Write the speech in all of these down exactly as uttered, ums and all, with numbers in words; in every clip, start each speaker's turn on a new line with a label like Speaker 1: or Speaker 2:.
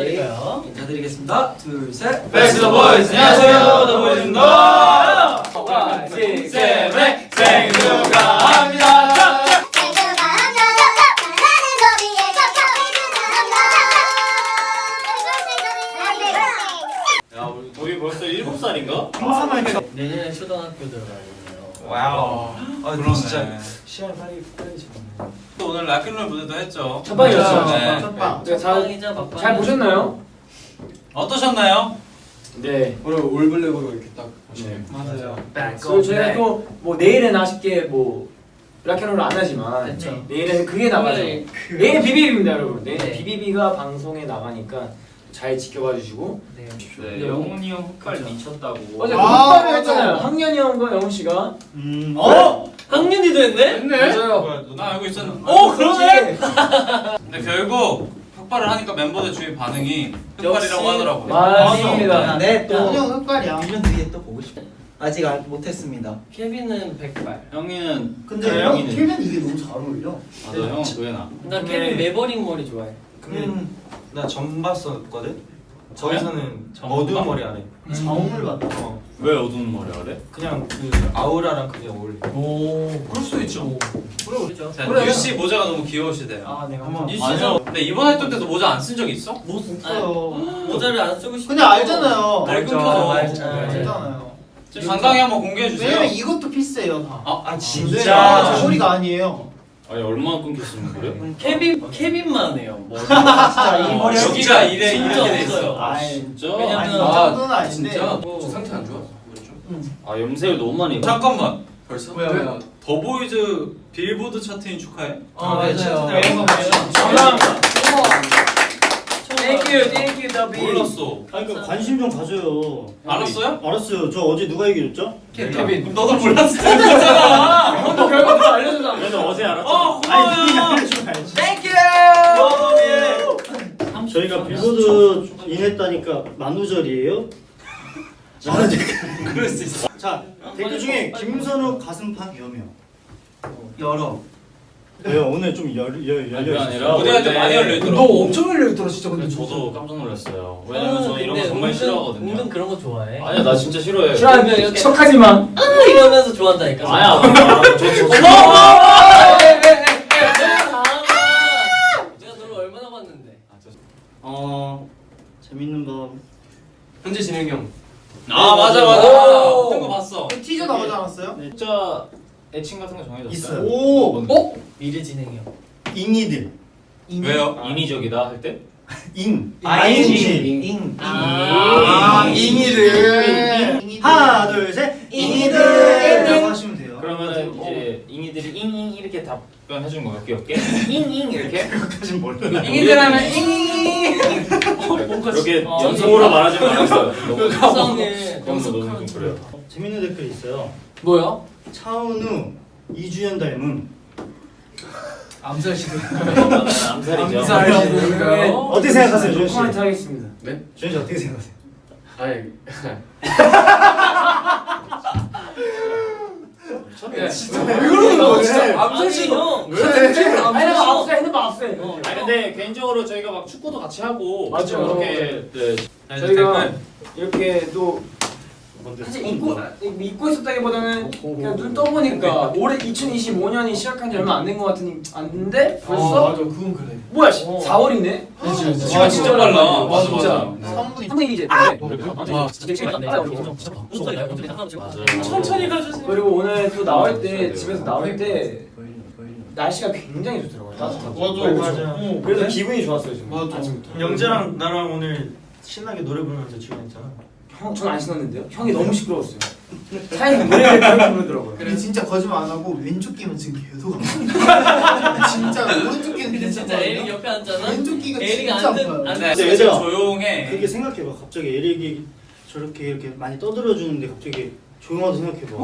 Speaker 1: 인사드릴까요? 인사드리겠습니다. 둘, 셋.
Speaker 2: 백스 더 보이즈. 안녕하세요, 더 보이즈입니다. 원, 투, 셋, 생일 축하합니다. 야, 우리 거기 벌써 일곱 살인가?
Speaker 1: 내년에 초등학교 들어가요.
Speaker 2: 와우.
Speaker 3: 아 근데 진짜 시간이 빨리 빨리 지나네.
Speaker 2: 또 오늘 락앤롤 무대도 했죠.
Speaker 3: 첫 방이었죠.
Speaker 2: 네.
Speaker 3: 첫 방.
Speaker 1: 첫방이자 막방.
Speaker 3: 잘 보셨나요?
Speaker 2: 어떠셨나요?
Speaker 3: 네.
Speaker 4: 오늘 올블랙으로 이렇게 딱 보시네요.
Speaker 2: 맞아요.
Speaker 3: 그리고 저희가 또 뭐 내일은 아쉽게 뭐 락앤롤을 안 하지만
Speaker 1: 그쵸.
Speaker 3: 내일은 그게 나가죠.
Speaker 1: 네.
Speaker 3: 내일은 비비비입니다, 여러분. 내일
Speaker 1: 네.
Speaker 3: 비비비가 방송에 나가니까 잘 지켜봐 주시고.
Speaker 1: 네.
Speaker 2: 네, 영훈이 형 흑발 미쳤다고.
Speaker 3: 어제
Speaker 4: 아,
Speaker 3: 흑발을 했잖아요. 학년이 형과 영훈 씨가.
Speaker 2: 음.
Speaker 1: 어? 학년이도 했네?
Speaker 3: 맞아요.
Speaker 2: 뭐야, 나 알고 있었는데.
Speaker 1: 어, 그러네.
Speaker 2: 근데 결국 흑발을 하니까 멤버들 주위 반응이 흑발이라고 하더라고요.
Speaker 3: 맞습니다.
Speaker 5: 네, 또
Speaker 4: 형 흑발이야.
Speaker 5: 일 년 뒤에 또 보고 싶어. 아직 안 못했습니다.
Speaker 1: 케빈은 백발.
Speaker 2: 형이는
Speaker 4: 근데
Speaker 2: 그래,
Speaker 4: 형
Speaker 2: 형이는.
Speaker 4: 케빈 이게 너무 잘 어울려.
Speaker 2: 맞아, 형은 도현아.
Speaker 1: 나 케빈 매버릭 머리 좋아해.
Speaker 5: 음,
Speaker 6: 나 전 봤었거든?
Speaker 2: 저요?
Speaker 6: 저기서는
Speaker 2: 전
Speaker 6: 어두운
Speaker 2: 봐?
Speaker 6: 머리 안 해.
Speaker 4: 자웅을 봤다.
Speaker 6: 어.
Speaker 2: 왜 어두운 머리 하래?
Speaker 6: 그냥 그 아우라랑 그게 어울려.
Speaker 1: 오.
Speaker 2: 그럴 수도 있죠.
Speaker 1: 그렇죠.
Speaker 2: 자,
Speaker 4: 그래.
Speaker 2: 유씨 모자가 너무 귀여우시대요.
Speaker 3: 아, 내가
Speaker 4: 한번
Speaker 1: 유
Speaker 2: 맞아. 근데 이번 활동 때도 모자 안 쓴 적 있어?
Speaker 1: 못
Speaker 4: 없어요.
Speaker 1: 모자를 안 쓰고 싶어.
Speaker 4: 근데 알잖아요.
Speaker 1: 날
Speaker 6: 알죠.
Speaker 1: 끊겨서.
Speaker 6: 알죠.
Speaker 4: 알잖아요.
Speaker 2: 지금 당당히 한번 공개해 주세요.
Speaker 4: 왜냐면 이것도 피스예요 다.
Speaker 2: 아,
Speaker 6: 아
Speaker 4: 네, 아, 저 소리가 아니에요.
Speaker 2: 아니 얼마나 끊겼으면 그래?
Speaker 1: 케빈 케빈만 해요. 머리.
Speaker 4: 진짜 이
Speaker 2: 어,
Speaker 4: 머리
Speaker 2: 여기가 이래
Speaker 1: 진짜
Speaker 2: 이렇게 돼
Speaker 1: 없어요.
Speaker 2: 있어.
Speaker 4: 아,
Speaker 2: 진짜?
Speaker 1: 왜냐면-
Speaker 4: 아니 이
Speaker 1: 아,
Speaker 4: 정도는 아닌데.
Speaker 1: 저
Speaker 2: 상태 안 좋아? 아 염색을 너무 많이. 잠깐만. 벌써?
Speaker 4: 왜요, 왜요?
Speaker 2: 더보이즈 빌보드 차트인 축하해.
Speaker 1: 아, 맞아요.
Speaker 3: 감사합니다. Thank you, thank you, 더비.
Speaker 2: 몰랐어.
Speaker 7: 아니 그 관심 좀 가져요.
Speaker 2: 알았어요?
Speaker 7: 알았어요. 저 어제 누가 얘기해줬죠?
Speaker 3: 케빈.
Speaker 2: 너도 몰랐을 때잖아.
Speaker 3: 형도 결과 다 알려주잖아.
Speaker 7: 그래서 어제 알았죠.
Speaker 2: 어,
Speaker 7: 아니
Speaker 2: 고마워요.
Speaker 7: 누가 알려주면 알지.
Speaker 3: Thank you.
Speaker 7: 저희가 빌보드 인했다니까 만우절이에요? 아,
Speaker 2: 그럴 수 있어.
Speaker 7: 자 댓글 중에 김선우 가슴팍 여며 열어. 왜요? 오늘 좀 열, 열,
Speaker 2: 그게
Speaker 7: 열려
Speaker 2: 아니라
Speaker 7: 있어요.
Speaker 2: 무대할 때 많이 열려
Speaker 3: 너
Speaker 2: 있더라고.
Speaker 3: 엄청 열려 있더라 진짜.
Speaker 2: 근데
Speaker 3: 근데
Speaker 2: 저도 깜짝 놀랐어요. 왜냐면 저 이런 거
Speaker 1: 근데
Speaker 2: 정말
Speaker 1: 은근-
Speaker 2: 싫어하거든요.
Speaker 1: 은근 그런 거 좋아해.
Speaker 2: 아니야 나 진짜 싫어해.
Speaker 3: 싫어하면
Speaker 1: 이렇게-
Speaker 3: 척하지 마.
Speaker 1: 아, 이러면서 좋아한다니까.
Speaker 2: 아야. 저저
Speaker 1: 내가 너를 얼마나 봤는데.
Speaker 7: 어 재밌는 밤.
Speaker 4: 현재 진행 형.
Speaker 2: 아 맞아 맞아
Speaker 3: 오.
Speaker 2: 맞아. 같은 거 봤어.
Speaker 4: 그 티저 나오지 않았어요?
Speaker 2: 진짜 애칭 같은 거 정해졌어요?
Speaker 7: 있어요.
Speaker 4: 오.
Speaker 1: 어? 미래 진행형.
Speaker 7: 잉이들.
Speaker 2: 왜요? 인위적이다 할 때?
Speaker 7: 잉.
Speaker 5: 아이엔지.
Speaker 7: 잉.
Speaker 1: 아,
Speaker 4: 잉이들.
Speaker 7: 하나 둘 셋.
Speaker 5: 잉이들.
Speaker 7: 라고 하시면 돼요.
Speaker 2: 그러면은 이제 잉이들이 잉잉 이렇게 답변해 주는 거예요 귀엽게? 잉잉 이렇게?
Speaker 7: 그것까진 몰라.
Speaker 2: 잉이들 하면 잉잉 이렇게
Speaker 1: 어,
Speaker 2: 연속으로 말하지 말았어요. 너무
Speaker 1: 속성을
Speaker 2: 너무 너무 좀 그래요.
Speaker 7: 재밌는 댓글 있어요.
Speaker 3: 뭐야?
Speaker 7: 차은우 이주연 닮음.
Speaker 4: 암살 시도.
Speaker 2: 암살이죠.
Speaker 3: 암살이죠.
Speaker 7: 어떻게 생각하세요, 주현 씨?
Speaker 3: 코멘트 하겠습니다.
Speaker 7: 주현 씨 어떻게 생각하세요?
Speaker 4: 아니.
Speaker 3: 왜 그러는 거야 진짜? 암살
Speaker 1: 아니,
Speaker 3: 시도.
Speaker 1: 형.
Speaker 3: 아니 내가 압수해, 핸드폰 압수해.
Speaker 2: 아니 근데 개인적으로 저희가 막 축구도 같이 하고
Speaker 3: 맞죠.
Speaker 2: 그렇게 네.
Speaker 3: 저희가 이렇게 또
Speaker 7: 먼저
Speaker 3: 사실 잊고 잊고 있었다기보다는 그냥 눈 떠보니까 올해 이천이십오 년이 시작한 지 얼마 안 된 것 같은 안데 벌써
Speaker 4: 맞아, 그건 그래.
Speaker 3: 뭐야 사월이네?
Speaker 4: 그렇지, 그렇지.
Speaker 2: 시간 진짜 빨라.
Speaker 4: 맞아,
Speaker 3: 진짜.
Speaker 4: 맞아.
Speaker 3: 삼 분이 이제 아!
Speaker 1: 천천히 가주세요.
Speaker 3: 그리고 오늘 또 나올 때 집에서 나올 때 날씨가 굉장히 좋더라고요. 따뜻하고.
Speaker 4: 맞아, 맞아.
Speaker 3: 그래서 기분이 좋았어요 지금.
Speaker 4: 맞아.
Speaker 3: 아침부터.
Speaker 7: 영재랑 나랑 오늘 신나게 노래 부르면서 출연했잖아.
Speaker 3: 형, 전 안 신었는데요? 형이 너무 시끄러웠어요. 차에서 노래를 그렇게 부르더라고요.
Speaker 4: 근데 진짜 거짓말 안 하고 왼쪽 귀만 지금 계속 아파. 진짜 오른쪽 귀는
Speaker 1: 근데 진짜
Speaker 4: 괜찮거든요.
Speaker 1: 에릭 옆에 앉잖아.
Speaker 4: 왼쪽 귀가
Speaker 1: 에릭
Speaker 4: 진짜
Speaker 1: 안 듣-
Speaker 4: 아파요.
Speaker 1: 안
Speaker 2: 네,
Speaker 7: 근데
Speaker 2: 진짜
Speaker 7: 얘들아,
Speaker 2: 조용해.
Speaker 7: 그렇게 생각해봐. 갑자기 에릭이 저렇게 이렇게 많이 떠들어 주는데 갑자기 조용하다 생각해봐.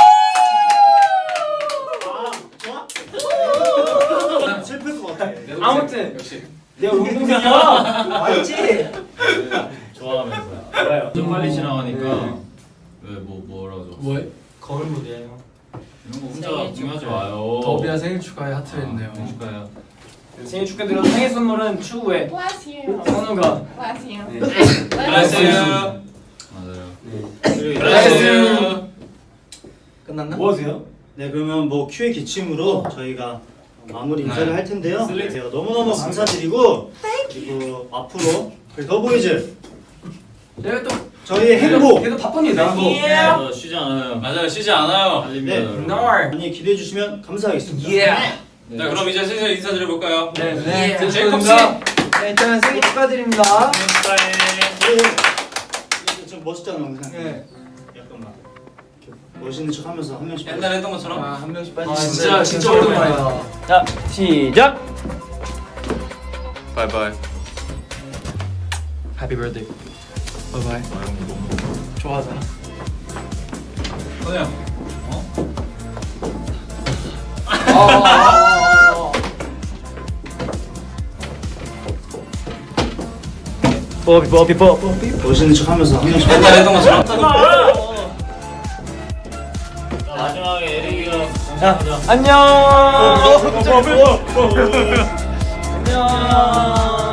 Speaker 7: 아, 슬플 것 같아.
Speaker 3: 아무튼
Speaker 2: 역시
Speaker 3: 내가 운동이야.
Speaker 5: 맞지?
Speaker 2: 좋아하면서
Speaker 3: 알아요.
Speaker 2: 좀 빨리 지나가니까 왜 뭐 뭐라고 줘?
Speaker 4: 뭐해?
Speaker 6: 거울 무대예요.
Speaker 2: 이런 거
Speaker 1: 생일
Speaker 2: 혼자 중요하지 마요.
Speaker 4: 더비야 생일 축하해 하트 했네요.
Speaker 2: 아, 축하해요.
Speaker 3: 생일 축하드려서 생일 선물은 추후에
Speaker 8: Bless you.
Speaker 3: 선우가
Speaker 8: Bless you.
Speaker 3: 네.
Speaker 1: Bless you.
Speaker 2: 맞아요.
Speaker 1: Bless you.
Speaker 5: 끝났나?
Speaker 3: 뭐 하세요?
Speaker 7: 네 그러면 뭐 큐의 기침으로 저희가 마무리 인사를 할 텐데요. 네, 너무너무 감사드리고 그리고 앞으로 우리 더보이즈
Speaker 3: 내가 또
Speaker 7: 저희의 행복
Speaker 3: 계속 바쁩니다.
Speaker 2: 어, 쉬지 않아요.
Speaker 1: 맞아요. 쉬지 않아요.
Speaker 2: 달립니다.
Speaker 7: 네.
Speaker 2: 여러분.
Speaker 3: No.
Speaker 7: 많이 기대해 주시면 감사하겠습니다.
Speaker 3: Yeah.
Speaker 2: 네.
Speaker 1: 자, 그럼 이제 슬슬 인사드려 볼까요?
Speaker 3: 네.
Speaker 5: 네.
Speaker 3: 네.
Speaker 1: 제이콥 씨.
Speaker 5: 네, 일단 생일 축하드립니다.
Speaker 7: 네. 이거 좀 멋있잖아 영상.
Speaker 5: 네.
Speaker 7: 약간만 이렇게 멋있는 척하면서 한 명씩.
Speaker 1: 옛날에 했던 것처럼.
Speaker 5: 아, 한 명씩
Speaker 3: 아,
Speaker 5: 빠지시면
Speaker 3: 진짜 진짜 오랜만이다.
Speaker 2: 자, 시작.
Speaker 6: 바이바이.
Speaker 5: Happy birthday. Bye bye. 좋아하잖아.
Speaker 1: 선우 형.
Speaker 7: 뽀삐 뽀삐 뽀삐. 멋있는 척하면서 한 명씩.
Speaker 1: 옛날에 했던 것처럼.
Speaker 2: 마지막에 에릭이가
Speaker 3: 안녕.
Speaker 7: 뽀삐 뽀삐.
Speaker 3: 안녕.